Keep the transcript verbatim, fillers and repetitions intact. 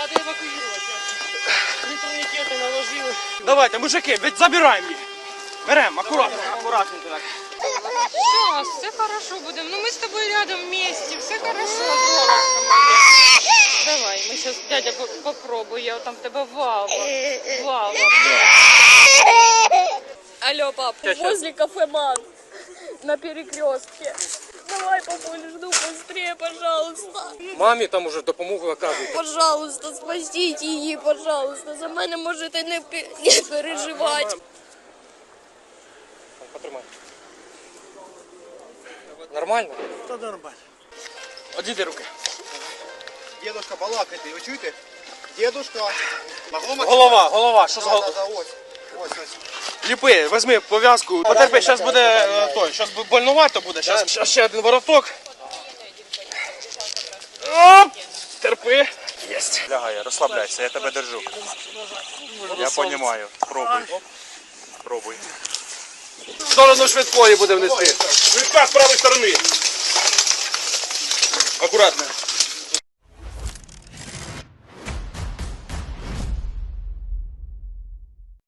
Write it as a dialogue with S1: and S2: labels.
S1: надо евакуювати. Три турнікети наложили.
S2: Давайте, мужики, ведь забираємо їх. Беремо, акуратно, акуратненько так.
S3: Сейчас, все хорошо будем. Ну мы с тобой рядом вместе, все хорошо, золотко моє. Давай, мы сейчас, дядя, по- попробуй, я там тебе вава. Вава.
S4: Алло, пап, возле кафе Ман на перекрестке. Давай, папуль, жду быстрее, пожалуйста.
S2: Мамі там уже допомогу оказують.
S4: Пожалуйста, спасіть її, пожалуйста. За мене можете не, пе- не переживати.
S2: Потримай. Нормально?
S1: Та нормально.
S2: Одійди руки.
S5: Дедушка балакайте, ви чуєте? Дедушка. Могло
S2: Голова, голова, що з
S5: Да, да,
S2: головою?
S5: да, ось. Ось, ось.
S2: Ліпи, візьми пов'язку. Потерпи, зараз буде е, той, зараз больнувато буде. Зараз ще один вороток. Оп! Терпи. Єсть.
S6: Лягай, розслабляйся, я тебе держу. Я розумію. Пробуй. Пробуй.
S2: В сторону швидкої будемо нести.
S6: Швидка з правої сторони.
S2: Акуратно.